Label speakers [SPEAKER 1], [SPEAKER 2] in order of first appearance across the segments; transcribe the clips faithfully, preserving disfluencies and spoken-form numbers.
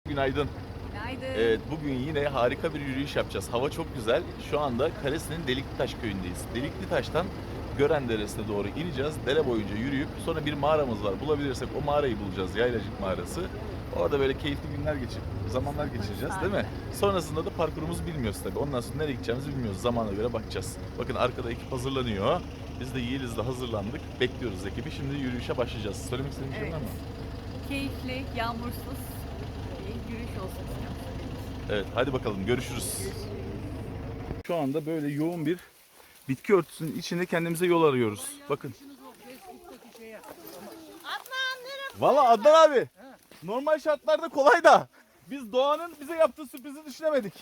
[SPEAKER 1] Günaydın.
[SPEAKER 2] Günaydın.
[SPEAKER 1] Evet, bugün yine harika bir yürüyüş yapacağız. Hava çok güzel. Şu anda Kalesi'nin Deliklitaş köyündeyiz. Deliklitaş'tan Gören Deresi'ne doğru ineceğiz. Dere boyunca yürüyüp sonra bir mağaramız var. Bulabilirsek o mağarayı bulacağız. Yaylacık mağarası. Orada böyle keyifli günler geçir, zamanlar geçireceğiz değil mi? Sonrasında da parkurumuzu bilmiyoruz tabii. Ondan sonra nereye gideceğimizi bilmiyoruz. Zamana göre bakacağız. Bakın arkada ekip hazırlanıyor. Biz de Yeliz'le hazırlandık. Bekliyoruz ekibi. Şimdi yürüyüşe başlayacağız. Söylemek istediğin bir şey
[SPEAKER 2] Evet.
[SPEAKER 1] var mı?
[SPEAKER 2] Keyifli, yağmursuz bir yürüyüş olsun istiyorum.
[SPEAKER 1] Evet, hadi bakalım görüşürüz. Şu anda böyle yoğun bir bitki örtüsünün içinde kendimize yol arıyoruz. Bakın. Valla Adnan abi, normal şartlarda kolay da biz doğanın bize yaptığı sürprizi düşünemedik.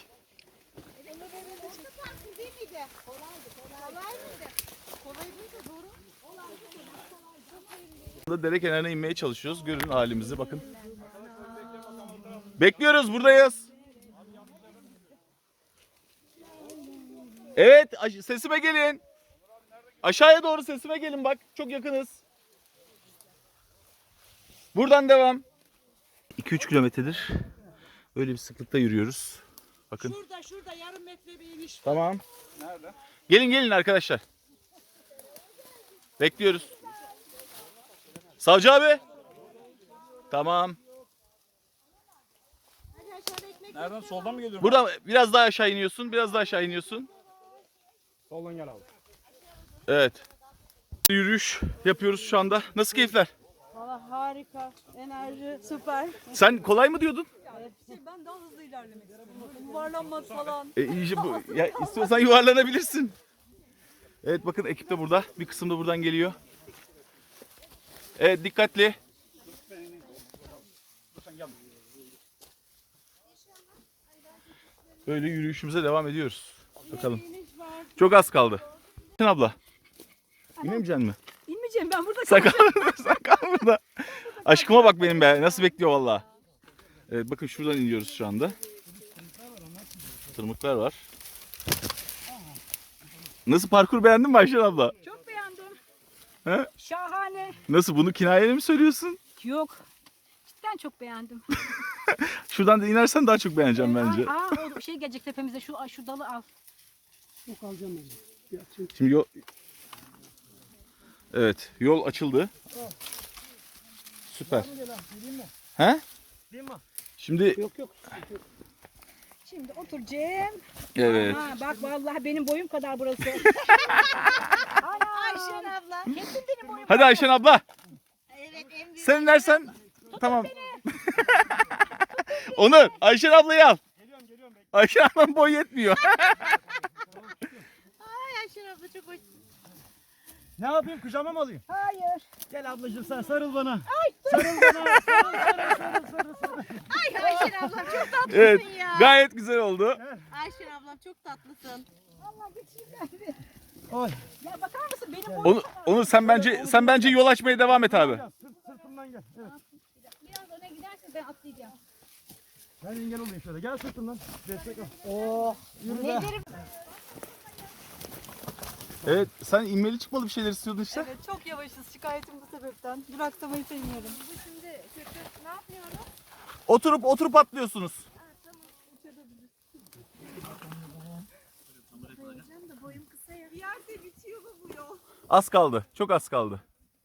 [SPEAKER 1] Dere kenarına inmeye çalışıyoruz. Görün halimizi bakın. Bekliyoruz, buradayız. Evet, sesime gelin. Aşağıya doğru sesime gelin bak. Çok yakınız. Buradan devam. iki üç kilometredir böyle bir sıklıkta yürüyoruz. Bakın.
[SPEAKER 3] Şurada şurada yarım metre bir iniş var.
[SPEAKER 1] Tamam. Nerede? Gelin gelin arkadaşlar. Bekliyoruz. Savcı abi. Tamam.
[SPEAKER 4] Nereden? Soldan mı geliyorum?
[SPEAKER 1] Buradan biraz daha aşağı iniyorsun. Biraz daha aşağı iniyorsun.
[SPEAKER 4] Soldan gel abi.
[SPEAKER 1] Evet. Yürüyüş yapıyoruz şu anda. Nasıl keyifler?
[SPEAKER 3] Valla harika. Enerji süper.
[SPEAKER 1] Sen kolay mı diyordun?
[SPEAKER 3] Şey, ben daha hızlı ilerlemek istiyorum. Böyle yuvarlanmak falan.
[SPEAKER 1] E, iyice bu, ya istiyorsan yuvarlanabilirsin. Evet bakın ekip de burada. Bir kısım da buradan geliyor. Evet dikkatli. Böyle yürüyüşümüze devam ediyoruz. Bakalım. Çok az kaldı. Sen abla. İnemeyeceksin mi?
[SPEAKER 3] İnmeyeceğim ben burada.
[SPEAKER 1] Sen kal, sen kal burada. Aşkıma bak benim be. Nasıl bekliyor valla. Evet bakın şuradan iniyoruz şu anda. Tırmıklar var. Nasıl, parkur beğendin mi Ayşen abla?
[SPEAKER 3] Çok beğendim.
[SPEAKER 1] He?
[SPEAKER 3] Şahane.
[SPEAKER 1] Nasıl, bunu kinayeli mi söylüyorsun?
[SPEAKER 3] Yok. Cidden çok beğendim.
[SPEAKER 1] Şuradan da inersen daha çok beğeneceğim bence.
[SPEAKER 3] Aa, o şey gelecek tepemize şu şu dalı al. Yok alacağım ben.
[SPEAKER 1] Şimdi yol... Evet, yol açıldı. Süper. He? Şimdi
[SPEAKER 4] Yok yok.
[SPEAKER 3] Şimdi otur Cem.
[SPEAKER 1] evet.
[SPEAKER 3] Ha, bak vallahi benim boyum kadar burası. Ayşen abla. Kesin benim boyum.
[SPEAKER 1] Hadi Ayşen abla.
[SPEAKER 3] Evet en büyük.
[SPEAKER 1] Sen inersen tamam. Onur, Ayşen ablayı al.
[SPEAKER 4] Geliyorum geliyorum. Bekle.
[SPEAKER 1] Ayşen ablanın boyu yetmiyor.
[SPEAKER 3] Ay Ayşen abla çok hoş.
[SPEAKER 4] Ne yapayım? Kucağıma mı alayım?
[SPEAKER 3] Hayır.
[SPEAKER 4] Gel ablacığım sen sarıl bana. Ay, sarıl bana. Sarıl sarıl sarıl sarıl sarıl.
[SPEAKER 5] Ay Ayşen ablam çok tatlısın
[SPEAKER 1] Evet,
[SPEAKER 5] ya.
[SPEAKER 1] gayet güzel oldu.
[SPEAKER 5] Ayşen ablam çok tatlısın.
[SPEAKER 3] Allah geçeyim
[SPEAKER 4] Oy.
[SPEAKER 3] Ya bakar mısın benim boyum
[SPEAKER 1] Onur,
[SPEAKER 3] kadar.
[SPEAKER 1] Onur sen bence sen bence yol açmaya devam et abi.
[SPEAKER 4] Gel, sırt, sırtımdan gel. Evet.
[SPEAKER 3] Biraz öne gidersen ben atlayacağım.
[SPEAKER 4] Ben engel olayım şöyle. Gel sırtımdan. Destek al. Oh. Yürü be.
[SPEAKER 1] Evet, sen inmeli çıkmalı bir şeyler istiyordun işte.
[SPEAKER 3] Evet çok yavaşız şikayetim bu sebepten. Duraksamayı sevmiyorum. Bu şimdi kötü ne yapıyorum?
[SPEAKER 1] Oturup oturup atlıyorsunuz.
[SPEAKER 3] Bir yerde bitiyor mu bu yol?
[SPEAKER 1] Az kaldı. Çok az kaldı.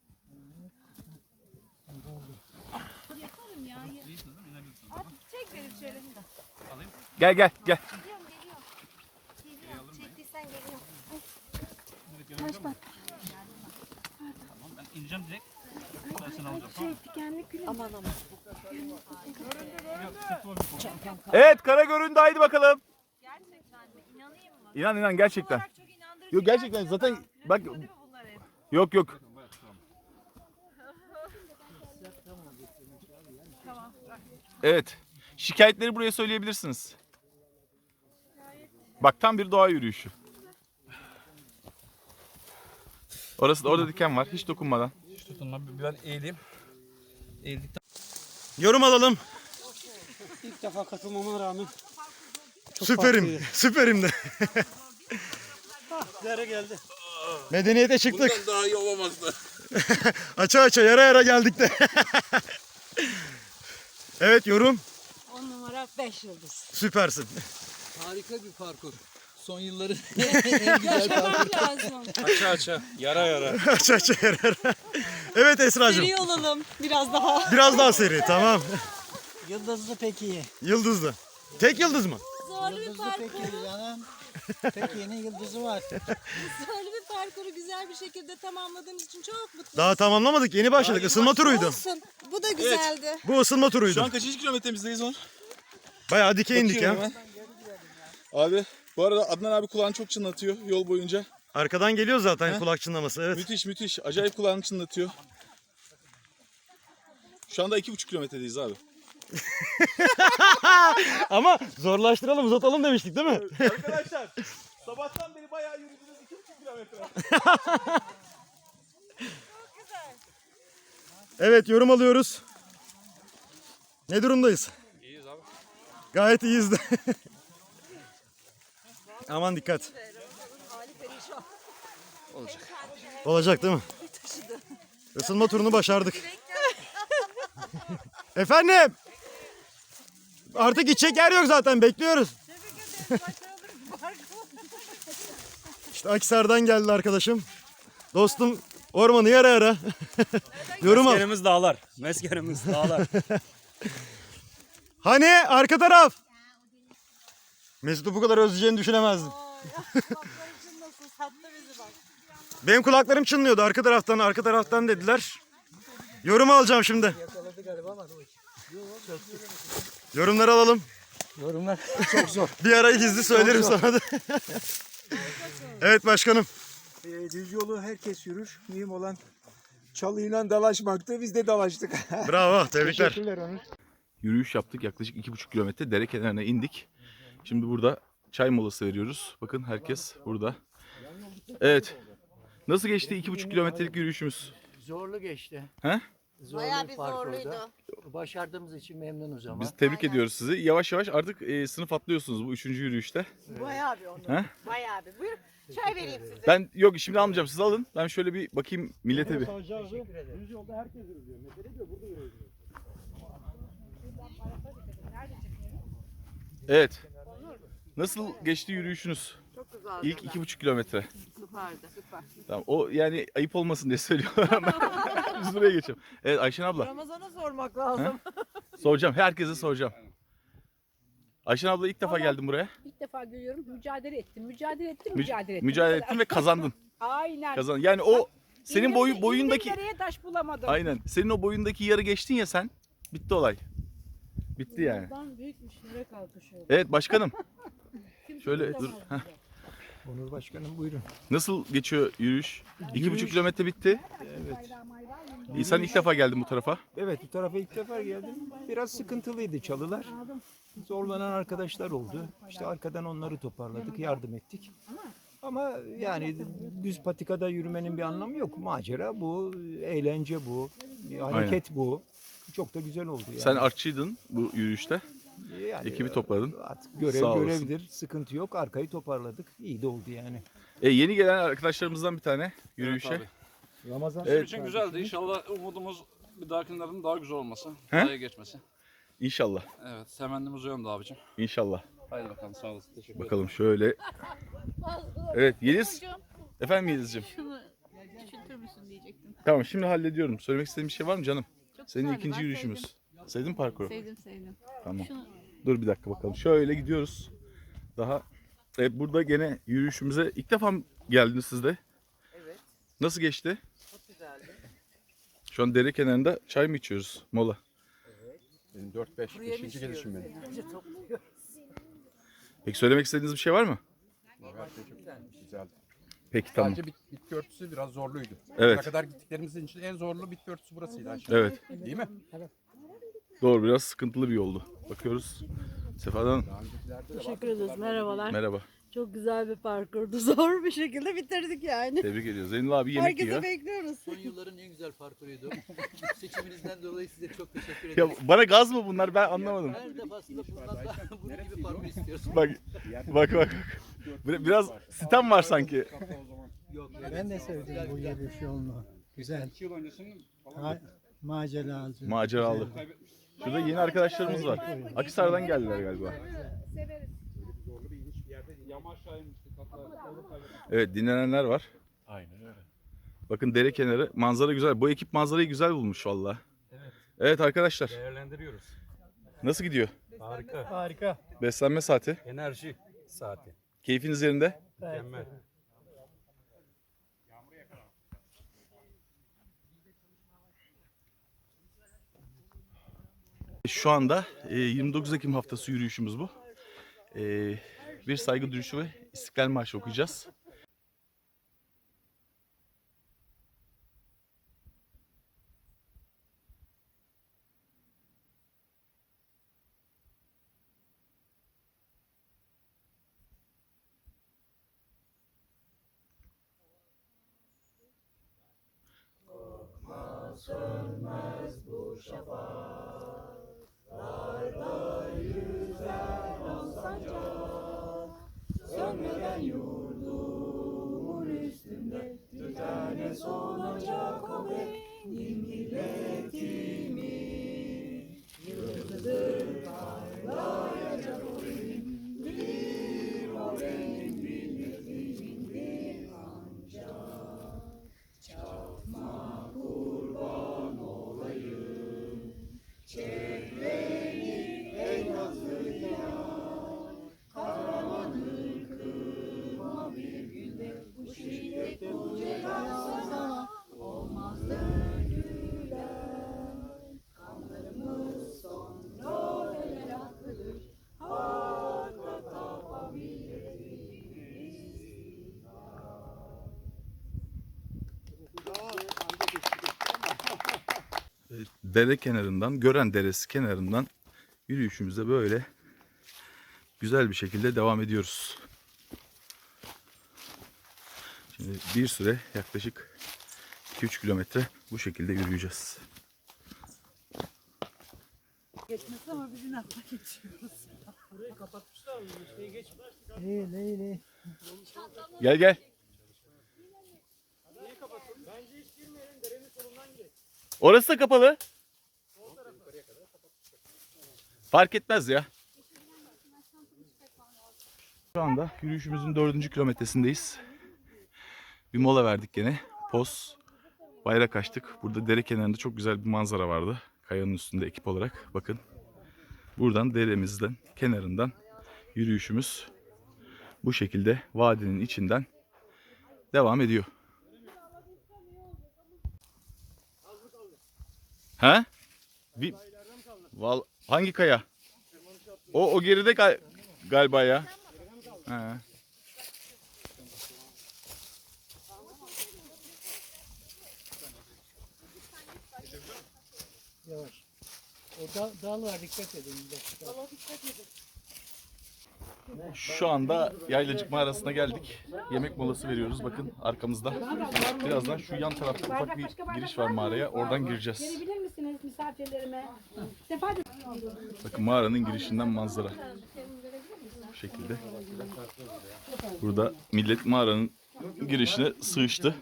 [SPEAKER 3] Yaparım ya. At çek beni şöyle.
[SPEAKER 1] Gel gel gel.
[SPEAKER 5] Geliyorum geliyorum. Geliyorum. Çektiysen geliyorum.
[SPEAKER 4] Ben ineceğim direkt. Ben seni alacağım.
[SPEAKER 5] Şey dikenli gülüm. Aman aman.
[SPEAKER 1] Evet, kara göründü, haydi bakalım.
[SPEAKER 2] Gerçekten mi? İnanayım mı?
[SPEAKER 1] İnan inan gerçekten.
[SPEAKER 2] Olarak çok inandırıcı.
[SPEAKER 1] Yok gerçekten zaten bak,
[SPEAKER 2] Değil mi bunlar hep?
[SPEAKER 1] yok yok. Evet. Şikayetleri buraya söyleyebilirsiniz. Bak tam bir doğa yürüyüşü. Orası da, orada diken var. Hiç dokunmadan.
[SPEAKER 4] Hiç tutunma. Ben eğileyim. Eğildikten. Yorum alalım.
[SPEAKER 6] İlk defa katılmama rağmen çok
[SPEAKER 4] Süperim.
[SPEAKER 6] farklıydı.
[SPEAKER 4] Süperim de.
[SPEAKER 6] Dere geldi.
[SPEAKER 4] Medeniyete çıktık.
[SPEAKER 7] Bundan daha iyi olamazdı.
[SPEAKER 4] Aça aça yara yara geldik de. Evet yorum.
[SPEAKER 3] On numara.
[SPEAKER 7] taraf beş yıldız.
[SPEAKER 4] Süpersin.
[SPEAKER 8] Harika bir parkur. Son yılların
[SPEAKER 7] Yaşamak lazım.
[SPEAKER 6] Aça aça. Yara yara.
[SPEAKER 4] Aç aç yarar. Evet Esra'cığım.
[SPEAKER 7] Seri olalım biraz daha.
[SPEAKER 4] Biraz daha seri, tamam.
[SPEAKER 9] Yıldızlı pek iyi.
[SPEAKER 4] Yıldızlı. Tek yıldız mı?
[SPEAKER 7] Zorlu bir
[SPEAKER 9] Yıldızlı pek
[SPEAKER 7] parkur.
[SPEAKER 9] iyi canım. Pek yeni yıldızı var.
[SPEAKER 7] Zorlu bir parkuru güzel bir şekilde tamamladığımız için çok mutluyum.
[SPEAKER 4] Daha tamamlamadık. Yeni başladık. Isınma turuydu.
[SPEAKER 7] Olsun. Bu da güzeldi.
[SPEAKER 4] Bu ısınma turuydu.
[SPEAKER 1] Şu an kaçıncı kilometremizdeyiz on?
[SPEAKER 4] Bayağı dikey indik
[SPEAKER 1] Bakıyorum
[SPEAKER 4] ya.
[SPEAKER 1] hemen. Abi bu arada Adnan abi kulağını çok çınlatıyor yol boyunca.
[SPEAKER 4] Arkadan geliyor zaten kulak çınlaması. Evet.
[SPEAKER 1] Müthiş müthiş. Acayip kulağını çınlatıyor. Şu anda iki buçuk kilometredeyiz abi.
[SPEAKER 4] Ama zorlaştıralım, uzatalım demiştik değil mi?
[SPEAKER 1] Arkadaşlar sabahtan beri bayağı yürüdünüz iki buçuk kilometre.
[SPEAKER 4] Evet, yorum alıyoruz. Ne durumdayız?
[SPEAKER 6] İyiyiz abi.
[SPEAKER 4] Gayet iyiyiz de. Aman dikkat.
[SPEAKER 1] Olacak.
[SPEAKER 4] Olacak değil mi? Isınma turunu başardık. Efendim? Artık gidecek yer yok zaten, bekliyoruz. İşte Akhisar'dan geldi arkadaşım. Dostum ormanı yara yara. Yorum al.
[SPEAKER 6] Meskenimiz dağlar. Meskenimiz dağlar.
[SPEAKER 4] Hani arka taraf? Mesut'u bu kadar özleyeceğini düşünemezdim. Benim kulaklarım çınlıyordu arka taraftan, arka taraftan dediler. Yorum alacağım şimdi. Yorumları alalım.
[SPEAKER 9] Yorumlar çok zor.
[SPEAKER 4] Bir ara gizli söylerim sana da. Evet başkanım.
[SPEAKER 10] E, düz yolu herkes yürür. Mühim olan çalıyla dalaşmaktı. Biz de dalaştık.
[SPEAKER 4] Bravo, tebrikler.
[SPEAKER 10] Teşekkürler Onur.
[SPEAKER 1] Yürüyüş yaptık yaklaşık iki buçuk kilometre dere kenarına indik. Şimdi burada çay molası veriyoruz. Bakın herkes burada. Evet. Nasıl geçti iki buçuk kilometrelik yürüyüşümüz?
[SPEAKER 9] Zorlu geçti.
[SPEAKER 1] He?
[SPEAKER 9] Zorlu
[SPEAKER 5] Bayağı bir
[SPEAKER 9] parkurdu.
[SPEAKER 5] zorluydu.
[SPEAKER 9] Başardığımız için memnunuz ama.
[SPEAKER 1] Biz tebrik ediyoruz sizi. Yavaş yavaş artık e, sınıf atlıyorsunuz bu üçüncü yürüyüşte.
[SPEAKER 5] Bayağı bir onu.
[SPEAKER 1] He?
[SPEAKER 5] Bayağı bir. Buyurun çay vereyim size.
[SPEAKER 1] Ben yok şimdi almayacağım, siz alın. Ben şöyle bir bakayım millete bir.
[SPEAKER 4] Düz yolda herkes yürüyor. Mesele diyor burada yürüyor.
[SPEAKER 1] Evet. Nasıl geçti yürüyüşünüz?
[SPEAKER 2] Çok güzeldi.
[SPEAKER 1] İlk iki buçuk kilometre.
[SPEAKER 2] Süperdi. Süper.
[SPEAKER 1] Tamam. O yani ayıp olmasın diye söylüyorum. Biz buraya geçelim. Evet Ayşen abla.
[SPEAKER 2] Ramazan'a sormak lazım.
[SPEAKER 1] Soracağım. Herkese soracağım. Ayşen abla ilk defa geldim buraya.
[SPEAKER 11] İlk defa görüyorum. Mücadele ettim. Mücadele ettim.
[SPEAKER 1] Mü-
[SPEAKER 11] Mücadele ettim.
[SPEAKER 1] Mücadele ettin ve kazandın.
[SPEAKER 11] Aynen.
[SPEAKER 1] Kazandın. Yani o senin
[SPEAKER 11] İğnenin-
[SPEAKER 1] boyu boyundaki
[SPEAKER 11] İğnenin nereye taş bulamadım.
[SPEAKER 1] aynen. Senin o boyundaki yarı geçtin ya sen. Bitti olay. Bitti yani.
[SPEAKER 11] Bundan büyükmüş. Nereye kalkışıyor?
[SPEAKER 1] Evet başkanım. Şöyle dur. Heh.
[SPEAKER 10] Onur Başkanım buyurun.
[SPEAKER 1] Nasıl geçiyor yürüyüş? İki buçuk kilometre bitti.
[SPEAKER 10] Evet.
[SPEAKER 1] İyi, sen ilk defa geldin bu tarafa.
[SPEAKER 10] Evet bu tarafa ilk defa geldim. Biraz sıkıntılıydı çalılar. Zorlanan arkadaşlar oldu. İşte arkadan onları toparladık, yardım ettik. Ama yani düz patikada yürümenin bir anlamı yok. Macera bu, eğlence bu, hareket bu. Çok da güzel oldu yani.
[SPEAKER 1] Sen artçıydın bu yürüyüşte.
[SPEAKER 10] Yani
[SPEAKER 1] ekibi topladın.
[SPEAKER 10] Artık görev
[SPEAKER 1] Sağ olasın.
[SPEAKER 10] görevdir. Sıkıntı yok. Arkayı toparladık. İyi de oldu yani.
[SPEAKER 1] E, yeni gelen arkadaşlarımızdan bir tane yürüyüşe.
[SPEAKER 6] Evet
[SPEAKER 10] Ramazan
[SPEAKER 1] Evet.
[SPEAKER 6] için güzeldi. İnşallah umudumuz bir dahakilerin daha güzel olması.
[SPEAKER 1] He?
[SPEAKER 6] Daha iyi geçmesi.
[SPEAKER 1] İnşallah.
[SPEAKER 6] Evet. Temennimiz o yönde abicim.
[SPEAKER 1] İnşallah.
[SPEAKER 6] Haydi bakalım sağ olasın. Teşekkür ederim.
[SPEAKER 1] Bakalım şöyle. Evet Yeliz. Efendim Yeliz'ciğim.
[SPEAKER 2] Şunu küçültür müsün diyecektim.
[SPEAKER 1] Tamam şimdi hallediyorum. Söylemek istediğin bir şey var mı canım?
[SPEAKER 2] Çok
[SPEAKER 1] Senin
[SPEAKER 2] güzeldi,
[SPEAKER 1] ikinci
[SPEAKER 2] ben
[SPEAKER 1] yürüyüşümüz.
[SPEAKER 2] sevdim.
[SPEAKER 1] Sevdin mi parkuru?
[SPEAKER 2] Sevdim sevdim.
[SPEAKER 1] Tamam.
[SPEAKER 2] Şunu
[SPEAKER 1] Dur bir dakika bakalım. Şöyle gidiyoruz. Daha evet, burada gene yürüyüşümüze ilk defa mı geldiniz siz de?
[SPEAKER 9] Evet.
[SPEAKER 1] Nasıl geçti?
[SPEAKER 9] Çok güzeldi.
[SPEAKER 1] Şu an dere kenarında çay mı içiyoruz? Mola.
[SPEAKER 9] Benim dört beş. beşinci gelişim benim.
[SPEAKER 1] Peki söylemek istediğiniz bir şey var mı?
[SPEAKER 10] güzeldi.
[SPEAKER 1] Peki tamam.
[SPEAKER 10] Sadece bit, bitki örtüsü biraz zorluydu.
[SPEAKER 1] Evet.
[SPEAKER 10] Ne kadar gittiklerimizin için en zorlu bitki örtüsü burasıydı aşağı.
[SPEAKER 1] Evet.
[SPEAKER 10] Değil mi?
[SPEAKER 1] Doğru, biraz sıkıntılı bir yoldu. Bakıyoruz. Sefa'dan
[SPEAKER 7] Teşekkür ederiz. Merhabalar.
[SPEAKER 1] merhaba.
[SPEAKER 7] Çok güzel bir parkurdu. Zor bir şekilde bitirdik yani.
[SPEAKER 1] Tebrik ediyoruz. Zeynel abi yemek
[SPEAKER 7] Herkese
[SPEAKER 1] yiyor.
[SPEAKER 7] bekliyoruz.
[SPEAKER 8] son yılların en güzel parkuruydu. Seçiminizden dolayı size çok teşekkür
[SPEAKER 1] Ya
[SPEAKER 8] ederim.
[SPEAKER 1] bana gaz mı bunlar, ben anlamadım.
[SPEAKER 8] Her defasında bundan daha bunun gibi parkur istiyorsun.
[SPEAKER 1] Bak bak bak. Bir- Biraz sitem var sanki.
[SPEAKER 8] Yok.
[SPEAKER 9] Ben de sevdim bu yürüyüş yolunu. Güzel. Ha, maceralı.
[SPEAKER 1] Maceralı. Şurada yeni arkadaşlarımız var. Akhisar'dan geldiler galiba. Evet, dinlenenler var.
[SPEAKER 6] Aynen öyle.
[SPEAKER 1] Bakın dere kenarı, manzara güzel. Bu ekip manzarayı güzel bulmuş valla. Evet arkadaşlar,
[SPEAKER 10] Değerlendiriyoruz.
[SPEAKER 1] nasıl gidiyor?
[SPEAKER 10] Harika. Harika.
[SPEAKER 1] Beslenme saati.
[SPEAKER 10] Enerji saati.
[SPEAKER 1] Keyfiniz yerinde.
[SPEAKER 10] Mükemmel.
[SPEAKER 1] Şu anda e, yirmi dokuz Ekim haftası yürüyüşümüz bu. E, bir saygı duruşu ve İstiklal Marşı okuyacağız. Dere kenarından, Gören Deresi kenarından yürüyüşümüze böyle güzel bir şekilde devam ediyoruz. Şimdi bir süre yaklaşık iki üç kilometre bu şekilde yürüyeceğiz.
[SPEAKER 3] Geçmesi ama biz inatla geçiyoruz.
[SPEAKER 10] Burayı kapatmışlar mı? Şey geçmez.
[SPEAKER 3] İyi, iyi, iyi.
[SPEAKER 1] Gel gel.
[SPEAKER 10] Bence hiç girmeyelim. Derenin solundan gidelim.
[SPEAKER 1] Orası da kapalı. Fark etmez ya. Şu anda yürüyüşümüzün dördüncü kilometresindeyiz. Bir mola verdik gene. Poz, bayrak açtık. Burada dere kenarında çok güzel bir manzara vardı. Kayanın üstünde ekip olarak. Bakın. Buradan deremizden, kenarından yürüyüşümüz bu şekilde vadinin içinden devam ediyor. Ha? Bir Val hangi kaya? O o geride gal galiba ya. Ha.
[SPEAKER 9] Yavaş. O dal, dal var, dikkat edin. Dala dikkat edin.
[SPEAKER 1] Şu anda Yaylacık Mağarası'na geldik. Yemek molası veriyoruz. Bakın arkamızda. Birazdan şu yan tarafta ufak bir giriş var mağaraya. Oradan gireceğiz.
[SPEAKER 11] Verebilir misiniz misafirlerime? Sefa
[SPEAKER 1] Bakın mağaranın girişinden manzara. Bu şekilde. Burada millet mağaranın girişine sığıştı.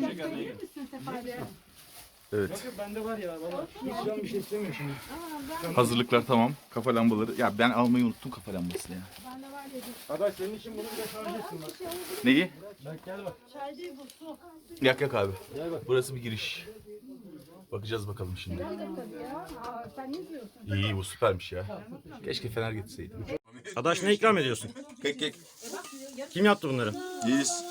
[SPEAKER 1] Evet.
[SPEAKER 10] Bende var ya valla. Hiç can bir şey istemiyorum şimdi.
[SPEAKER 1] Hazırlıklar tamam. Kafa lambaları. Ya ben almayı unuttum kafa lambasını ya.
[SPEAKER 10] Adaş senin için bunu bir de şarj etsin bak.
[SPEAKER 1] Neyi?
[SPEAKER 10] Bak gel bak.
[SPEAKER 1] Yak yak abi. Burası bir giriş. Bakacağız bakalım şimdi. İyi iyi, bu süpermiş ya. Keşke fener getirseydim.
[SPEAKER 4] Adaş ne ikram ediyorsun?
[SPEAKER 1] Kek kek.
[SPEAKER 4] Kim yaptı bunları?
[SPEAKER 1] Yiyiz.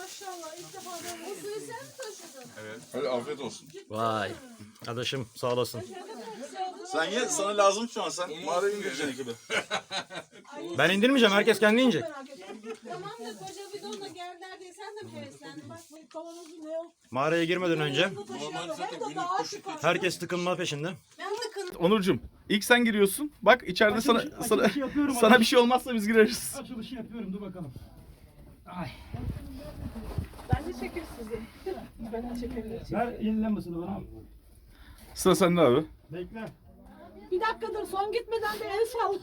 [SPEAKER 1] Evet. Hadi afiyet olsun.
[SPEAKER 4] Vay. Adaşım sağ olasın.
[SPEAKER 1] Sen ye, sana lazım şu an. Sen mağaraya indireceksin gibi.
[SPEAKER 4] Ben indirmeyeceğim. Herkes kendi inecek.
[SPEAKER 7] Tamam da koca bidonla geldiler diye sen de mi heveslendin? Bak bu kavanozu ne o?
[SPEAKER 4] Mağaraya girmeden önce
[SPEAKER 7] Taşıyalım. Hem de daha şık.
[SPEAKER 4] herkes tıkınma peşinde.
[SPEAKER 7] Ben tıkın.
[SPEAKER 1] Onurcuğum, ilk sen giriyorsun. Bak içeride sana sana, sana bir şey olmazsa biz gireriz.
[SPEAKER 10] Açılışı yapıyorum, dur bakalım. Ay.
[SPEAKER 11] Ben de çekeyim sizi. Ben de çekeyim.
[SPEAKER 10] Ver yenilenmesini bana.
[SPEAKER 1] Sıra sende abi.
[SPEAKER 10] Bekle.
[SPEAKER 11] Bir dakika dur, son gitmeden de el salla.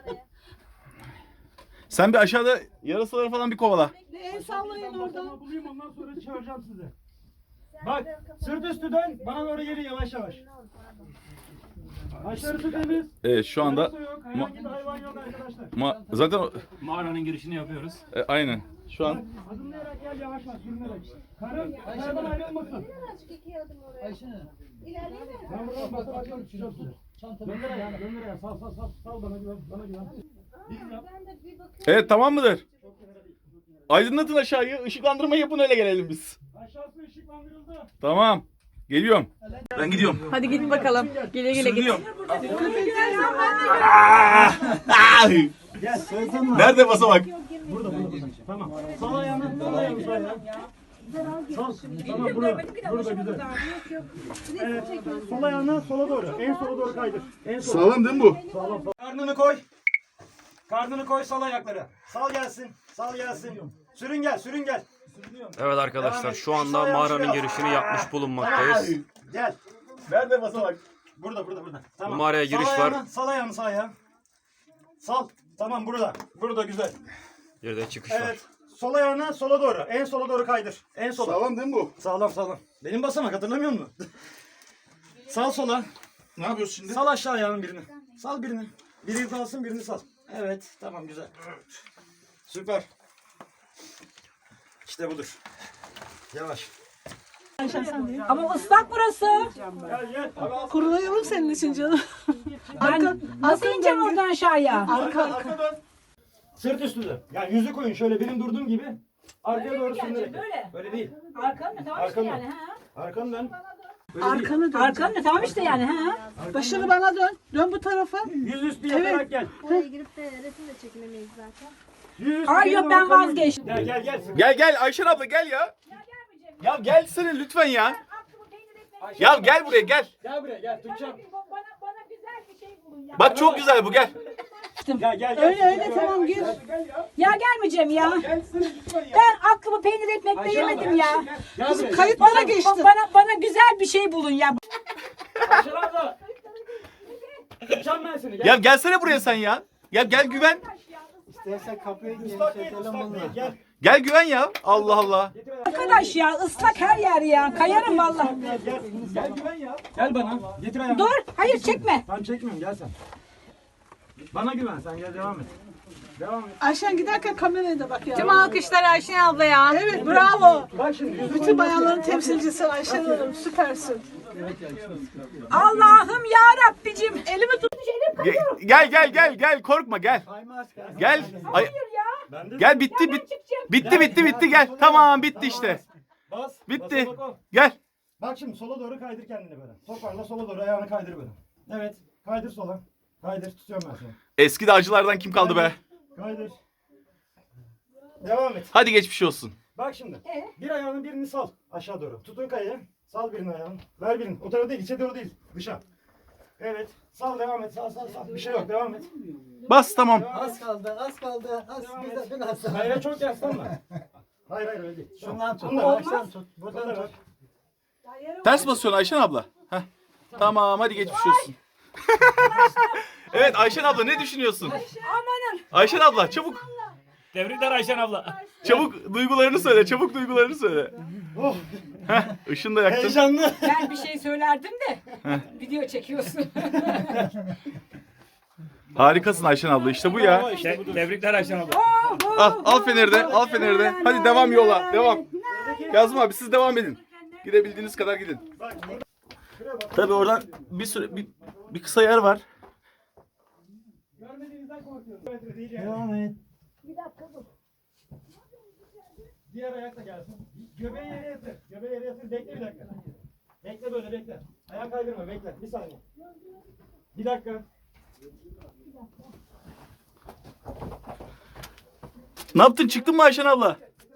[SPEAKER 1] Sen bir aşağıda yarasaları falan bir kovala.
[SPEAKER 11] Bir el sallayın oradan.
[SPEAKER 10] Bulayım, ondan sonra çağıracağım sizi. Bak sırt üstü dön, bana doğru gelin yavaş yavaş.
[SPEAKER 4] Aşağısı temiz.
[SPEAKER 1] Evet şu anda
[SPEAKER 4] Su yok. Herhangi bir hayvan yok arkadaşlar.
[SPEAKER 1] ma- zaten o-
[SPEAKER 6] Mağaranın girişini yapıyoruz.
[SPEAKER 1] e, aynen. Şu an
[SPEAKER 4] Adımlayarak gel yavaş yavaş sürünerek. Karın, karadan ayrılmasın.
[SPEAKER 5] Birazcık iki adım oraya.
[SPEAKER 9] Ayşe.
[SPEAKER 5] İlerleyeyim mi?
[SPEAKER 4] Ben buradan basar açarım çıkacağım su. Gönder ayağını, gönder ayağını. Sal, sal, sal. Sal bana güven, bana güven. Biz yap.
[SPEAKER 5] Ben de bir bakıyorum.
[SPEAKER 1] evet tamam mıdır? Aydınlatın aşağıyı. Işıklandırma yapın öyle gelelim biz.
[SPEAKER 4] Aşağısı ışıklandırıldı.
[SPEAKER 1] Tamam. Geliyorum. Ben gidiyorum.
[SPEAKER 2] Hadi git bakalım. Güle güle git.
[SPEAKER 4] Gel, söylesene.
[SPEAKER 1] Nerede basamak?
[SPEAKER 4] Burada, burada, burada. Tamam. Sal ayağını, sal ayağını, sal ayağını. Sal. Tamam, burada. Burada güzel. Evet. Sol ayağını sola doğru. En sola doğru kaydır. En sola.
[SPEAKER 1] Sağlam değil mi bu?
[SPEAKER 4] Sağlam, sağlam. Karnını koy. Karnını koy, sal ayakları. Sal gelsin. Sal gelsin. Sürün gel, sürün gel.
[SPEAKER 12] Evet arkadaşlar şu anda mağaranın girişini yapmış bulunmaktayız.
[SPEAKER 4] Gel.
[SPEAKER 1] Nerede basamak?
[SPEAKER 4] Burada, burada, burada.
[SPEAKER 12] Bu
[SPEAKER 4] Tamam.
[SPEAKER 12] mağaraya giriş
[SPEAKER 4] Sal
[SPEAKER 12] var.
[SPEAKER 4] ayağını, sal ayağını, sağ ayağını. Sal. Tamam, burada. Burada güzel.
[SPEAKER 12] Bir de çıkış var.
[SPEAKER 4] Evet. Sol ayağını sola doğru. En sola doğru kaydır. En sola.
[SPEAKER 1] Sağlam değil mi bu?
[SPEAKER 4] Sağlam, sağlam. Benim basamak hatırlamıyor musun? Sal sola.
[SPEAKER 1] Ne yapıyorsun şimdi?
[SPEAKER 4] Sal aşağı ayağının birini. Sal birini. Biri kalsın, birini sal. Evet, tamam güzel. Süper. İşte budur. Yavaş.
[SPEAKER 7] Ama ıslak burası.
[SPEAKER 4] Gel gel.
[SPEAKER 7] Kurulayalım senin için canım. Arka, nasıl ineceğim oradan aşağıya?
[SPEAKER 4] Arka, arka dön. Sırt üstü dön. Yani yüzü koyun şöyle benim durduğum gibi. Arkaya doğru sürünerek.
[SPEAKER 7] Böyle.
[SPEAKER 4] Böyle değil.
[SPEAKER 7] Arkanı tamam işte
[SPEAKER 4] Arkanı.
[SPEAKER 7] yani ha.
[SPEAKER 4] Arkanı dön. Böyle değil.
[SPEAKER 7] Arkanı dön. Arkanı tamam işte yani ha. Başını bana dön. Dön bu tarafa.
[SPEAKER 4] Yüz üstü yatarak gel.
[SPEAKER 5] Oraya girip de resim de çekilemeyiz zaten.
[SPEAKER 4] Yüz üstü
[SPEAKER 7] Ay
[SPEAKER 4] geri
[SPEAKER 7] yok
[SPEAKER 4] doğru
[SPEAKER 7] ben
[SPEAKER 4] kayın.
[SPEAKER 7] vazgeçtim.
[SPEAKER 4] Gel gel gel.
[SPEAKER 1] Gel gel Ayşen abla gel ya. Ya gelsene lütfen ya. Ya gel buraya gel.
[SPEAKER 4] Gel buraya gel tutacağım.
[SPEAKER 7] Bana, bana güzel bir şey bulun ya.
[SPEAKER 1] Bak çok güzel bu gel.
[SPEAKER 4] Gel gel gel.
[SPEAKER 7] Öyle öyle tamam gir. Ya gelmeyeceğim ya. Ben aklımı peynir ekmekle yemedim ya.
[SPEAKER 4] Kızım
[SPEAKER 7] Kayıt bana geçti. Bana bana güzel bir şey bulun ya.
[SPEAKER 4] Ayşen abla. Tutacağım ben seni. Gel.
[SPEAKER 1] Ya gelsene buraya sen ya. Ya gel güven.
[SPEAKER 9] İstersen kapıyı
[SPEAKER 4] Islak değil, ıslak değil. Gel.
[SPEAKER 1] Gel güven ya. Allah Allah.
[SPEAKER 7] Arkadaş ya ıslak her yer ya. Kayarım vallahi.
[SPEAKER 4] Gel gel. Gel güven ya. Gel bana. Getir ayağını.
[SPEAKER 7] Dur. Hayır çekme.
[SPEAKER 4] Tamam çekmiyorum gel sen. Bana güven sen gel devam et. Devam et.
[SPEAKER 7] Ayşen giderken kameraya da bak ya.
[SPEAKER 2] Tüm alkışlar Ayşen ablaya.
[SPEAKER 7] Evet bravo.
[SPEAKER 4] Bak şimdi. yüzü
[SPEAKER 7] Bütün
[SPEAKER 4] koyun.
[SPEAKER 7] bayanların temsilcisi Ayşen Hanım süpersin. Allah'ım ya Rabbicim elimi tut. Elim
[SPEAKER 1] Ge- Gel gel gel gel korkma gel. Gel. Ay,
[SPEAKER 4] Ben de
[SPEAKER 1] gel bitti bit. Bitti bitti bitti gel. Tamam bitti işte.
[SPEAKER 4] bas.
[SPEAKER 1] Bitti.
[SPEAKER 4] Bas, bak, o.
[SPEAKER 1] Gel.
[SPEAKER 4] Bak şimdi sola doğru kaydır kendini böyle. Toparla sola doğru ayağını kaydır böyle. Evet. Kaydır sola. Kaydır tutuyorum ben seni.
[SPEAKER 1] Eski dağcılardan kim kaldı be?
[SPEAKER 4] Kaydır. Devam et.
[SPEAKER 1] Hadi geçmiş olsun.
[SPEAKER 4] Bak şimdi. Bir ayağının birini sal aşağı doğru. Tutun kayayı. Sal birini ayağını. Ver birini. O tarafa değil, içe doğru değil. Dışa. Evet. Sal devam et. Sal sal sal. Bir şey yok. Devam et.
[SPEAKER 1] Bas tamam.
[SPEAKER 9] Az kaldı, az kaldı. Az
[SPEAKER 4] Devam
[SPEAKER 9] bir de
[SPEAKER 4] et.
[SPEAKER 9] biraz.
[SPEAKER 4] Hayır çok yaslanma. Hayır hayır öyle değil.
[SPEAKER 9] Şundan tut.
[SPEAKER 4] Bunu da ver.
[SPEAKER 9] Baştan tut.
[SPEAKER 4] Buradan
[SPEAKER 9] Buradan
[SPEAKER 4] da ver.
[SPEAKER 9] tut.
[SPEAKER 1] Ters basıyorsun Ayşen abla. Heh. Tamam hadi geçmiş olsun. Evet Ayşen abla ne düşünüyorsun?
[SPEAKER 7] Amanın.
[SPEAKER 1] Ayşen abla çabuk.
[SPEAKER 6] Tebrikler Ayşen abla.
[SPEAKER 1] Çabuk duygularını söyle. Çabuk duygularını söyle.
[SPEAKER 4] Oh.
[SPEAKER 1] Heh, ışını da yaktın.
[SPEAKER 4] Heyecanlı.
[SPEAKER 7] Ben bir şey söylerdim de video çekiyorsun.
[SPEAKER 1] Harikasın Ayşen abla işte bu ya.
[SPEAKER 6] Te- tebrikler Ayşen abla.
[SPEAKER 1] Al, al feneri de, al feneri de. Hadi devam yola, devam. Kazım abi siz devam edin. Gidebildiğiniz kadar gidin. Tabii oradan bir süre, bir, bir kısa yer var.
[SPEAKER 4] Görmediğinizden korkuyorum.
[SPEAKER 9] Devam et.
[SPEAKER 4] Diğer ayak da gelsin. Göbeği yere yatır. Göbeği yere yatır. Bekle bir dakika. Bekle böyle bekle. Ayak kaydırma bekle. Bir saniye. Bir dakika.
[SPEAKER 1] Ne yaptın? Çıktın mı Ayşen abla?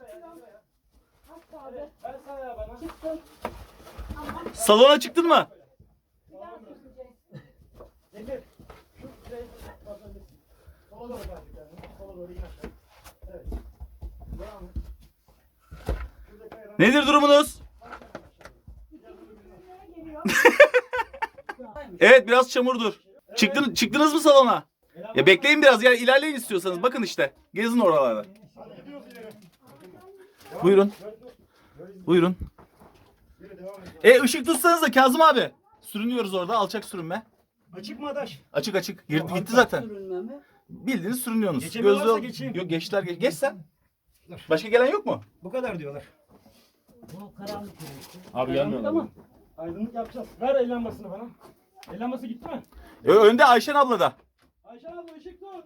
[SPEAKER 4] Ver sağ ayağı bana.
[SPEAKER 1] Salona çıktın mı?
[SPEAKER 4] Getir. Şu şurayı basabilirsin. Sola doğru kaydır kendini. Sola doğru in aşağı. Evet. Devam et. Şurada kayadan-
[SPEAKER 1] Nedir durumunuz? Evet biraz çamurdur. Çıktın, çıktınız mı salona? Ya bekleyin biraz ya ilerleyin istiyorsanız. Bakın işte. Gezin oralarda.
[SPEAKER 4] Hadi gidiyoruz ileri.
[SPEAKER 1] Buyurun. Buyurun.
[SPEAKER 4] Yürü devam et.
[SPEAKER 1] E ışık tutsanız da Kazım abi. Sürünüyoruz orada alçak sürünme.
[SPEAKER 4] Açık mı adaş?
[SPEAKER 1] Açık açık. Girdi,
[SPEAKER 4] Tamam,
[SPEAKER 1] gitti zaten.
[SPEAKER 9] Sürünme mi?
[SPEAKER 1] Bildiğiniz sürünüyorsunuz.
[SPEAKER 4] Geçemiyorlarsa
[SPEAKER 1] Gözlü ol-
[SPEAKER 4] geçeyim.
[SPEAKER 1] Yok geçtiler geç. Geç sen. Başka gelen yok mu?
[SPEAKER 4] Bu kadar diyorlar.
[SPEAKER 9] Bu karanlık yürüyüştü.
[SPEAKER 1] Abi gelmiyorlar.
[SPEAKER 4] Ama aydınlık yapacağız. Ver el lambasını bana. El lambası gitti mi?
[SPEAKER 1] Ö- önde Ayşen abla da.
[SPEAKER 4] Ayşe abla ışık tut.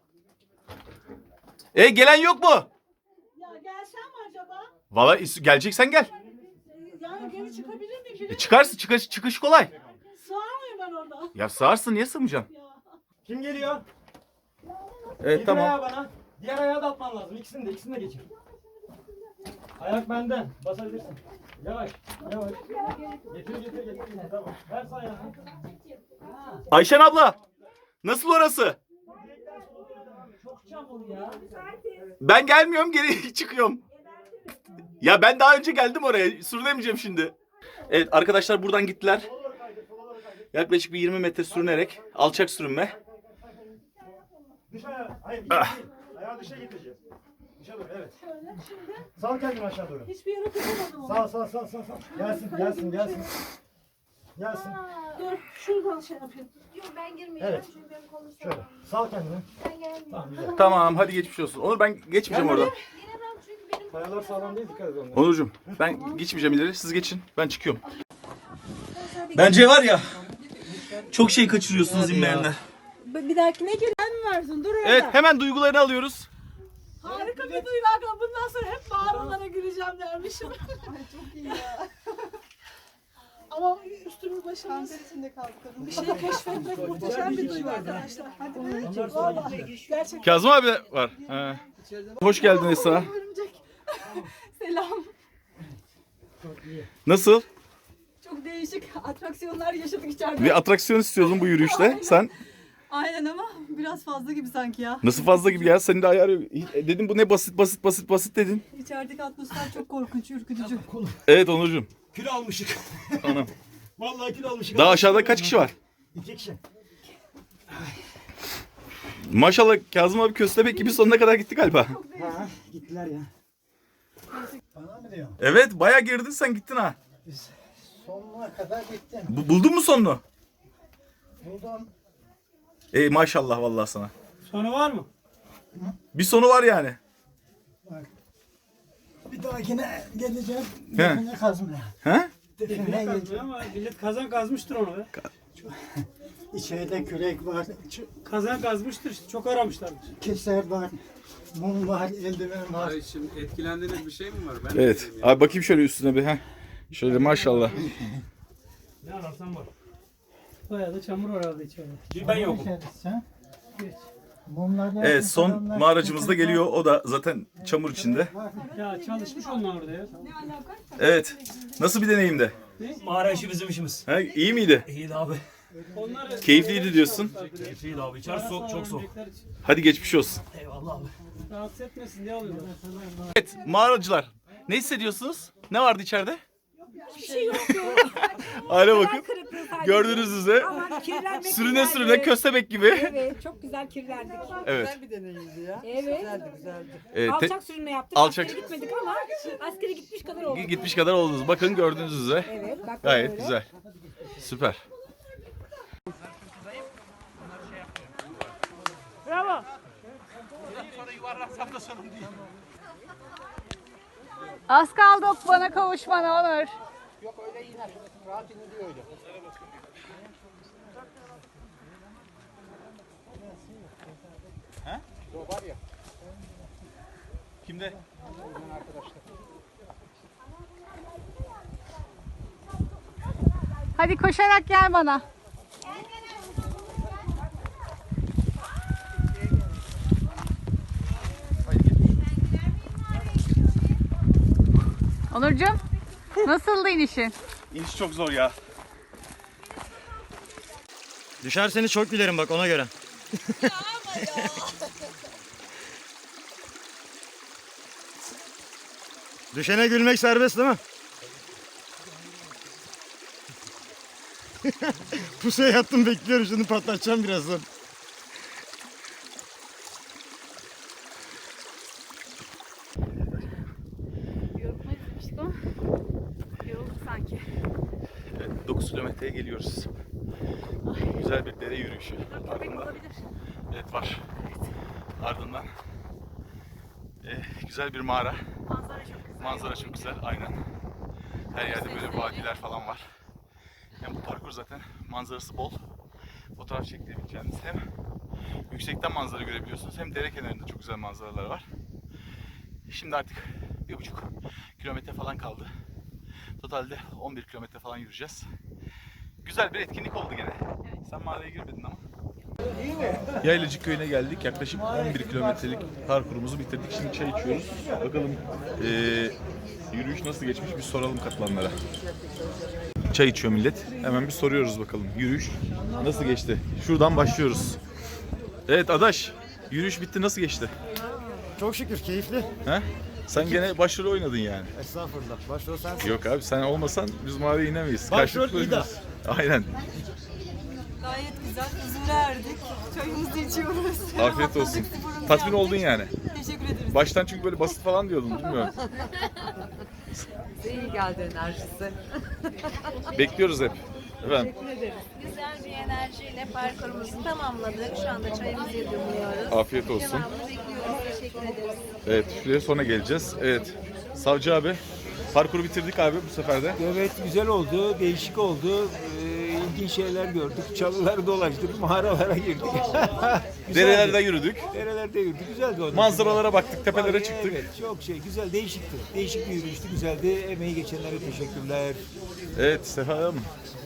[SPEAKER 1] E gelen yok mu?
[SPEAKER 11] Ya gelsem mi acaba?
[SPEAKER 1] Valla is- geleceksen gel.
[SPEAKER 11] Yani geri çıkabilir miyim?
[SPEAKER 1] E, çıkarsın çıkış, çıkış kolay.
[SPEAKER 11] Sığar mıyım ben orada?
[SPEAKER 1] Ya sığarsın niye sığmayacaksın?
[SPEAKER 4] Kim geliyor?
[SPEAKER 1] Evet
[SPEAKER 4] Bir
[SPEAKER 1] tamam.
[SPEAKER 4] ayağı bana. Diğer ayağı da atman lazım. İkisini de ikisini de geçir. Ayak benden. Basabilirsin. Yavaş. Yavaş. Getir getir getir. getir. Tamam. Ver sağ ayağını.
[SPEAKER 1] Ayşen abla. Nasıl orası?
[SPEAKER 9] Çok çamur ya.
[SPEAKER 1] Ben gelmiyorum geri çıkıyorum. Ya ben daha önce geldim oraya. Sürünemeyeceğim şimdi. Evet arkadaşlar buradan gittiler. Yaklaşık bir yirmi metre sürünerek. Alçak sürünme.
[SPEAKER 4] Dış ayağı. Hayır.
[SPEAKER 1] Ah.
[SPEAKER 4] Değil. Ayağı dışa getireceğiz. Dışa doğru evet. Sal kendini aşağı doğru.
[SPEAKER 11] Hiçbir yere tutamadım onu.
[SPEAKER 4] Sağ sağ sağ sağ sağ. Gelsin gelsin gelsin. Gelsin.
[SPEAKER 11] Dur şuradan şey yapayım.
[SPEAKER 5] Yok ben girmeyeceğim
[SPEAKER 4] Evet.
[SPEAKER 5] çünkü benim kolum
[SPEAKER 4] Şöyle.
[SPEAKER 5] sağlam.
[SPEAKER 4] Sal kendini.
[SPEAKER 5] Ben gelmeyeyim.
[SPEAKER 4] Tamam güzel.
[SPEAKER 1] Tamam hadi geçmiş olsun. Onur ben geçmeyeceğim oradan.
[SPEAKER 5] Giremem çünkü benim
[SPEAKER 4] Kayalar sağlam değil, dikkat et onlara.
[SPEAKER 1] Onurcuğum ben geçmeyeceğim ileri. Siz geçin. Ben çıkıyorum. Bence var ya çok şey kaçırıyorsunuz inmeyenler.
[SPEAKER 11] Bir dahakine giren mi varsın? Dur orada.
[SPEAKER 1] Evet hemen duygularını alıyoruz.
[SPEAKER 11] Harika bir duygu. Bundan sonra hep mağaralara gireceğim dermişim. Ay çok iyi ya. Ama üstümüz başımız içinde kaldı kadın. Bir şey keşfetmek muhteşem bir duygu arkadaşlar. Hadi vallahi gerçekten.
[SPEAKER 1] Kazım abi de var. Ha. Hoş geldin Esra.
[SPEAKER 11] Örümcek. Selam.
[SPEAKER 1] Nasıl?
[SPEAKER 3] Çok değişik atraksiyonlar yaşadık içeride.
[SPEAKER 1] Bir atraksiyon istiyordun bu yürüyüşte. Sen
[SPEAKER 3] Aynen ama biraz fazla gibi sanki ya.
[SPEAKER 1] nasıl fazla gibi ya? Senin de ayarı yok. Dedim bu ne basit basit basit basit dedin.
[SPEAKER 3] İçerideki atmosfer çok korkunç, ürkütücü.
[SPEAKER 1] Evet Onurcuğum.
[SPEAKER 4] Kilo almışık.
[SPEAKER 1] Anam.
[SPEAKER 4] Vallahi kilo almışık.
[SPEAKER 1] Daha aşağıda kaç kişi var?
[SPEAKER 4] İki kişi.
[SPEAKER 1] Maşallah Kazım abi köstebek gibi sonuna kadar gitti galiba.
[SPEAKER 4] Ha, gittiler ya. Bana mı diyor?
[SPEAKER 1] Evet bayağı girdin sen gittin ha.
[SPEAKER 4] Sonuna kadar gittim.
[SPEAKER 1] Bu- buldun mu sonunu?
[SPEAKER 4] Buldum.
[SPEAKER 1] Ey maşallah vallahi sana.
[SPEAKER 4] Sonu var mı?
[SPEAKER 1] Bir sonu var yani.
[SPEAKER 4] Bir dahakine geleceğim.
[SPEAKER 1] He.
[SPEAKER 4] Define kazmaya.
[SPEAKER 1] He?
[SPEAKER 4] Define geleceğim.
[SPEAKER 9] Ama millet kazan kazmıştır onu be.
[SPEAKER 4] İçeride kürek var.
[SPEAKER 9] Kazan kazmıştır işte. Çok aramışlardır.
[SPEAKER 4] Keser var. Mum var. Eldiven var.
[SPEAKER 6] Ay şimdi etkilendiğiniz bir şey mi var? Ben
[SPEAKER 1] Evet. Abi bakayım şöyle üstüne bir. Heh. Şöyle maşallah.
[SPEAKER 9] Ne ararsan var. Bayağı da çamur var herhalde içeride.
[SPEAKER 4] Ben yokum. Mumlardan
[SPEAKER 1] Evet son mağaracımız da geliyor. O da zaten çamur içinde.
[SPEAKER 9] Ya çalışmış onlar orada ya.
[SPEAKER 1] Evet. Nasıl bir deneyimdi?
[SPEAKER 4] Mağara işi bizim işimiz.
[SPEAKER 1] Ha, iyi miydi?
[SPEAKER 4] İyiydi abi.
[SPEAKER 9] Onlar
[SPEAKER 1] Keyifliydi diyorsun.
[SPEAKER 4] Keyifliydi abi. İçerisi soğuk, çok soğuk.
[SPEAKER 1] Hadi geçmiş olsun.
[SPEAKER 4] Eyvallah abi.
[SPEAKER 9] rahatsız etmesin diye alıyorlar.
[SPEAKER 1] Evet mağaracılar. Ne hissediyorsunuz? Ne vardı içeride?
[SPEAKER 3] Bir şey yok.
[SPEAKER 1] Hale bakın.
[SPEAKER 3] Kırıklığı sadece.
[SPEAKER 1] Gördüğünüz üzere
[SPEAKER 3] Ama kirlenmek
[SPEAKER 1] sürüne
[SPEAKER 3] güzeldi.
[SPEAKER 1] sürüne köstebek gibi.
[SPEAKER 3] Evet, çok güzel kirlendik.
[SPEAKER 1] Evet.
[SPEAKER 9] bir deneyimdi ya.
[SPEAKER 3] Evet.
[SPEAKER 9] Güzeldi güzeldi.
[SPEAKER 1] Evet, te-
[SPEAKER 3] Alçak sürünme yaptık.
[SPEAKER 1] Alçak-
[SPEAKER 3] Askere gitmedik ama askere gitmiş kadar olduk.
[SPEAKER 1] gitmiş kadar oldunuz. Bakın gördüğünüz üzere.
[SPEAKER 3] Evet, bak
[SPEAKER 1] Gayet
[SPEAKER 3] böyle.
[SPEAKER 1] güzel. Süper.
[SPEAKER 2] Az kaldı bana kavuşmana Onur.
[SPEAKER 1] Kimde?
[SPEAKER 2] Hadi koşarak gel bana. Onurcuğum, nasıldı inişin?
[SPEAKER 1] İniş çok zor ya.
[SPEAKER 10] Düşerseniz çok gülerim bak ona göre. Düşene gülmek serbest değil mi? Pusuya yattım bekliyorum şimdi patlatacağım birazdan.
[SPEAKER 2] Yorulmayı izlemiştik ama yorulduk sanki.
[SPEAKER 1] Evet, dokuz kilometreye geliyoruz. Güzel. güzel bir dere yürüyüşü. Ardından, evet var. Ardından e, güzel bir mağara.
[SPEAKER 2] Manzara çok güzel.
[SPEAKER 1] Manzara çok güzel, aynen. Her yerde böyle vadiler falan var. Hem bu parkur zaten manzarası bol. Fotoğraf çekebileceğiniz, hem yüksekten manzara görebiliyorsunuz hem dere kenarında çok güzel manzaralar var. Şimdi artık bir buçuk kilometre falan kaldı. Totalde on bir kilometre falan yürüyeceğiz. Güzel bir etkinlik oldu gene. Sen mağaraya girmedin ama. Yaylacık köyüne geldik. Yaklaşık on bir kilometrelik parkurumuzu bitirdik. Şimdi çay içiyoruz. Bakalım ee, yürüyüş nasıl geçmiş, bir soralım katılanlara. Çay içiyor millet. Hemen bir soruyoruz bakalım. Yürüyüş nasıl geçti? Şuradan başlıyoruz. Evet Adaş, yürüyüş bitti, nasıl geçti?
[SPEAKER 4] Çok şükür keyifli.
[SPEAKER 1] He? Sen gene başrol oynadın yani.
[SPEAKER 4] Estağfurullah. Başrol sensin.
[SPEAKER 1] Yok abi, sen olmasan biz mağaraya inemeyiz.
[SPEAKER 4] Başrol
[SPEAKER 1] Karşılıklı
[SPEAKER 4] İda.
[SPEAKER 1] oynuyoruz. Aynen.
[SPEAKER 3] Gayet güzel. Huzura erdik. Çayımızı içiyoruz.
[SPEAKER 1] Afiyet olsun. Tatmin oldun yani.
[SPEAKER 3] Teşekkür ederiz.
[SPEAKER 1] Baştan çünkü böyle basit falan diyordun, bilmiyorum.
[SPEAKER 2] İyi geldi enerjisi.
[SPEAKER 1] Bekliyoruz hep. Efendim,
[SPEAKER 5] Güzel bir enerjiyle parkurumuzu tamamladık. Şu anda çayımızı yudumluyoruz.
[SPEAKER 1] afiyet olsun.
[SPEAKER 5] Devamını bekliyoruz. Teşekkür ederiz.
[SPEAKER 1] Evet, şuraya sonra geleceğiz. Evet. Savcı abi, parkuru bitirdik abi bu sefer de.
[SPEAKER 10] Evet, güzel oldu, değişik oldu. Ee, ilginç şeyler gördük. Çalıları dolaştık, mağaralara girdik. Güzeldi.
[SPEAKER 1] Derelerde yürüdük.
[SPEAKER 10] Derelerde yürüdük. Güzeldi o.
[SPEAKER 1] Manzaralara baktık, tepelere
[SPEAKER 10] Ay,
[SPEAKER 1] çıktık.
[SPEAKER 10] Evet, çok şey, güzel, değişikti. Değişik bir yürüyüştü, güzeldi. Emeği geçenlere teşekkürler.
[SPEAKER 1] Evet Sefa Hanım,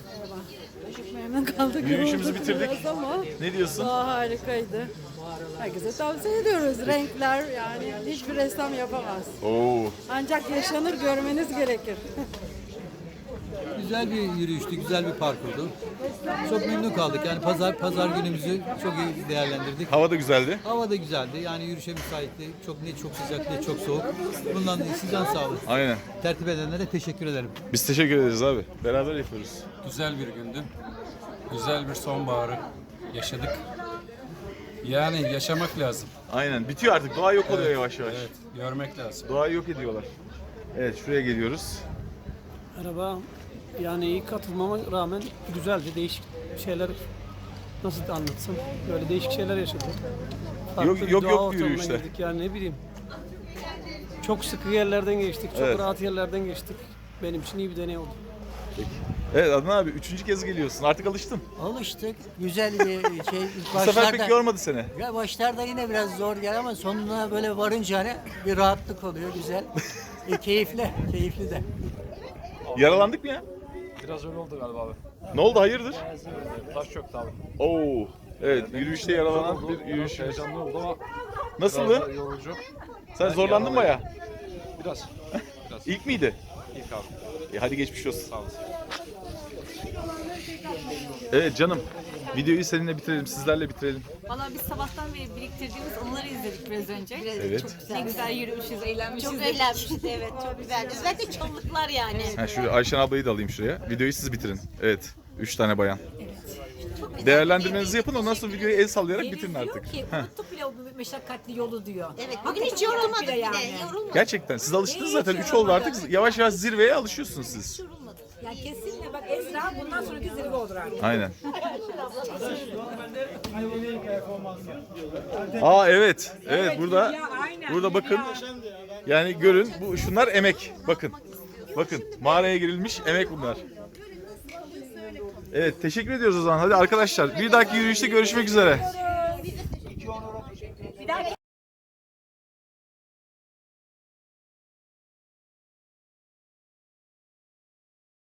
[SPEAKER 3] Memnun kaldık.
[SPEAKER 1] yürüyüşümüzü
[SPEAKER 3] yorulduk
[SPEAKER 1] bitirdik.
[SPEAKER 3] biraz Ama
[SPEAKER 1] Ne diyorsun?
[SPEAKER 3] daha harikaydı. Herkese tavsiye ediyoruz. Renkler yani hiçbir ressam yapamaz.
[SPEAKER 1] Oo.
[SPEAKER 3] Ancak yaşanır, görmeniz gerekir.
[SPEAKER 8] Güzel bir yürüyüştü, güzel bir parkurdu. Çok memnun kaldık. Yani pazar pazar günümüzü çok iyi değerlendirdik.
[SPEAKER 1] Hava da güzeldi.
[SPEAKER 8] Hava da güzeldi. Yani yürüyüşe müsaitti. Çok ne çok sıcak ne çok soğuk. Bundan da sizden sağ olun.
[SPEAKER 1] Aynen.
[SPEAKER 8] Tertip edenlere teşekkür ederim.
[SPEAKER 1] Biz teşekkür ederiz abi. Beraber yapıyoruz.
[SPEAKER 6] Güzel bir gündü. Güzel bir sonbaharı yaşadık. Yani yaşamak lazım.
[SPEAKER 1] Aynen. Bitiyor artık. Doğa yok oluyor
[SPEAKER 6] Evet,
[SPEAKER 1] yavaş yavaş.
[SPEAKER 6] Evet, görmek lazım.
[SPEAKER 1] Doğayı yok ediyorlar. Evet, şuraya geliyoruz.
[SPEAKER 9] Merhaba. Yani iyi katılmama rağmen güzeldi. Değişik şeyler, nasıl anlatsam, böyle değişik şeyler yaşadık. Farklı
[SPEAKER 1] Yok-
[SPEAKER 9] bir
[SPEAKER 1] yok-
[SPEAKER 9] doğa
[SPEAKER 1] yok
[SPEAKER 9] ortamına
[SPEAKER 1] yürüyüşte.
[SPEAKER 9] girdik. Yani ne bileyim. Çok sıkı yerlerden geçtik. Çok
[SPEAKER 1] Evet.
[SPEAKER 9] rahat yerlerden geçtik. Benim için iyi bir deney oldu.
[SPEAKER 1] Evet Adnan abi, üçüncü kez geliyorsun. Artık alıştın.
[SPEAKER 13] Alıştık. Güzel bir şey.
[SPEAKER 1] Bu sefer pek yormadı seni.
[SPEAKER 13] Ya başlarda yine biraz zor gel ama sonuna böyle varınca hani bir rahatlık oluyor. Güzel. E, keyifli. Keyifli de.
[SPEAKER 1] Yaralandık mı ya?
[SPEAKER 6] Biraz öyle oldu galiba abi.
[SPEAKER 1] Ne oldu, hayırdır?
[SPEAKER 6] Taş çöktü abi.
[SPEAKER 1] Oo. Evet, yürüyüşte yaralanan bir yürüyüş.
[SPEAKER 6] Heyecanlı oldu ama
[SPEAKER 1] Nasıldı?
[SPEAKER 6] yorucu.
[SPEAKER 1] Sen zorlandın bayağı.
[SPEAKER 6] Biraz. Biraz.
[SPEAKER 1] İlk miydi?
[SPEAKER 6] İlk abi.
[SPEAKER 1] E, hadi geçmiş olsun.
[SPEAKER 6] Sağ olasın.
[SPEAKER 1] Evet canım. Videoyu seninle bitirelim, sizlerle bitirelim.
[SPEAKER 2] Valla biz sabahtan beri biriktirdiğimiz anıları izledik biraz önce.
[SPEAKER 1] Evet.
[SPEAKER 2] Çok güzel. Ne güzel yürümüşüz, eğlenmişiz.
[SPEAKER 5] Çok
[SPEAKER 2] dedik.
[SPEAKER 5] eğlenmişti, evet, çok güzeldi. Özellikle çalılıklar yani.
[SPEAKER 1] Ha, şuraya Ayşen ablayı da alayım şuraya. Videoyu siz bitirin. Evet. Üç tane bayan. Değerlendirmenizi yapın, ondan sonra videoyu el sallayarak bitirin artık.
[SPEAKER 7] Ki unuttuk bile o meşakkatli yolu diyor.
[SPEAKER 5] Evet, bugün hiç yorulmadık bile,
[SPEAKER 7] yani.
[SPEAKER 5] yorulmadık.
[SPEAKER 1] Gerçekten siz alıştınız zaten. Üç oldu artık. Yavaş yavaş zirveye alışıyorsunuz siz.
[SPEAKER 7] Ya kesinlikle bak Ezra bundan sonraki zirve olur artık.
[SPEAKER 1] Aynen. Aa evet. Evet burada burada bakın. Yani görün, bu şunlar emek. Bakın. Bakın mağaraya girilmiş emek bunlar. Evet, teşekkür ediyoruz o zaman. Hadi arkadaşlar, bir dahaki yürüyüşte görüşmek üzere.